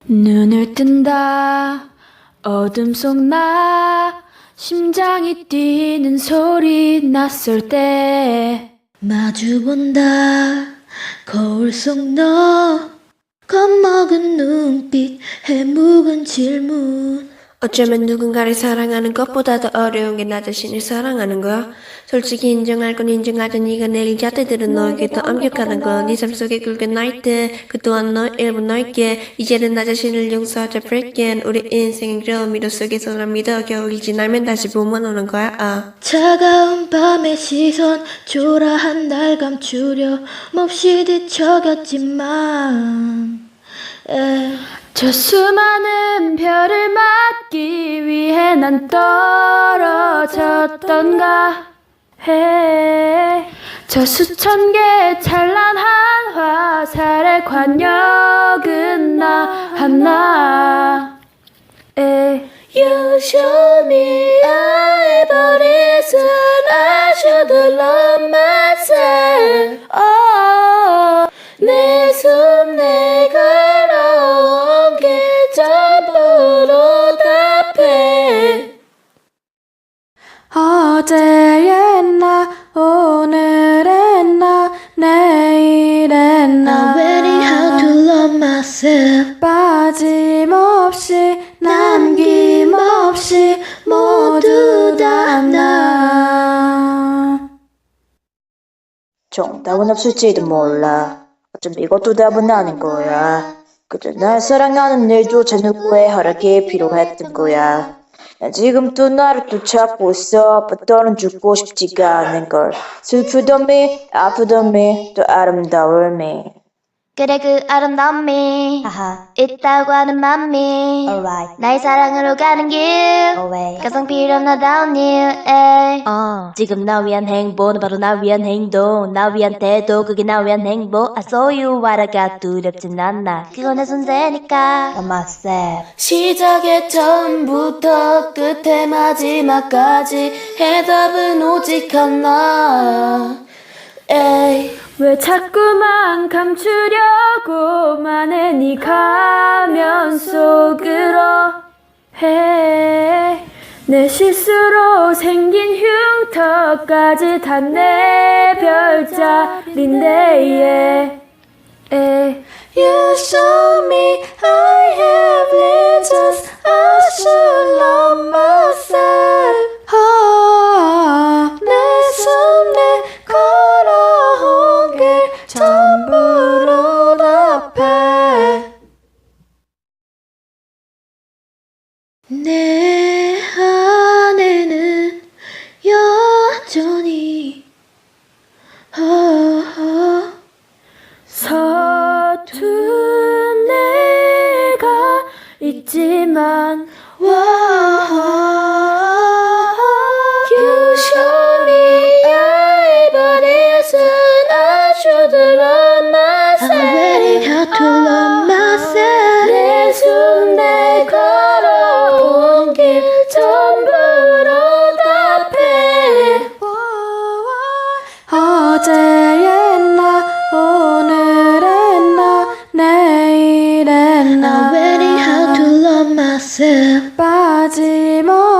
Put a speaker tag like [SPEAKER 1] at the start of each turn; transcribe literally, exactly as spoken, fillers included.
[SPEAKER 1] 눈을 뜬다 어둠 속 나 심장이 뛰는 소리 낯설 때
[SPEAKER 2] 마주본다 거울 속 너 겁먹은 눈빛 해묵은 질문
[SPEAKER 3] 어쩌면 누군가를 사랑하는 것보다 더 어려운 게 나 자신을 사랑하는 거야. 솔직히 인정할 건 인정하자. 네가 내일 잣대들은 너에게 더 엄격하단 거. 네 삶 속에 굵은 나이트 그 또한 너 일부 넓게 이제는 나 자신을 용서하자. Breaking 우리 인생은 그런 미로 속에서 난 믿어. 겨울이 지나면 다시 봄은 오는 거야. 아.
[SPEAKER 2] 차가운 밤의 시선 초라한 날 감추려 몹시 뒤척였지만 에.
[SPEAKER 1] 저 수많은 별을 막기 위해 난 떨어졌던가 해. 저 수천 개의 찬란한 화살의 관역은 나 하나 에.
[SPEAKER 2] You show me evidence I should love myself oh, 내 숨 내가 걸어온 길 전부로 답해
[SPEAKER 1] 어제의 나 오늘의 나 내일의 나
[SPEAKER 2] I'm learning how to love myself
[SPEAKER 1] 빠짐없이 남김없이 모두 다 나.
[SPEAKER 4] 정답은 없을지도 몰라. 어쩜 이것도 답은 아닌 거야. 그저 날 사랑하는 일조차 누구의 허락이 필요했던 거야. 난 지금 또 나를 또 찾고 있어. but 너는 죽고 싶지가 않은 걸. 슬프던 미, 아프던 미, 또 아름다울 미.
[SPEAKER 5] 그래 그 아름다운 미 있다고 하는 맘미 나의 사랑으로 가는 길 가장 필요하다운 일
[SPEAKER 6] 어, 지금 나 위한 행복은 바로 나 위한 행동 나 위한 태도 그게 나 위한 행복 I saw you 말아가 두렵진 않아 그건 내 존재니까 I'm myself
[SPEAKER 2] 시작의 처음부터 끝의 마지막까지 해답은 오직 하나 에이.
[SPEAKER 1] 왜 자꾸만 감추려고만 해 네 가면 속으로 해 내 실수로 생긴 흉터까지 다 내 별자리인데 에.
[SPEAKER 2] You show me I have lenses I should love myself
[SPEAKER 1] 아,
[SPEAKER 2] 내 숨 내 걸어온 길 전부로 답해 내 안에는 여전히 어, 어.
[SPEAKER 1] 서툰 내가 있지만
[SPEAKER 2] You show me evidence I should love myself I'm learning how to love myself 내 숨 내 걸어온 길 전부로 답해
[SPEAKER 1] 어제의 나 오늘의 나 내일의
[SPEAKER 2] I'm
[SPEAKER 1] 나
[SPEAKER 2] learning how to love myself
[SPEAKER 1] 빠짐없이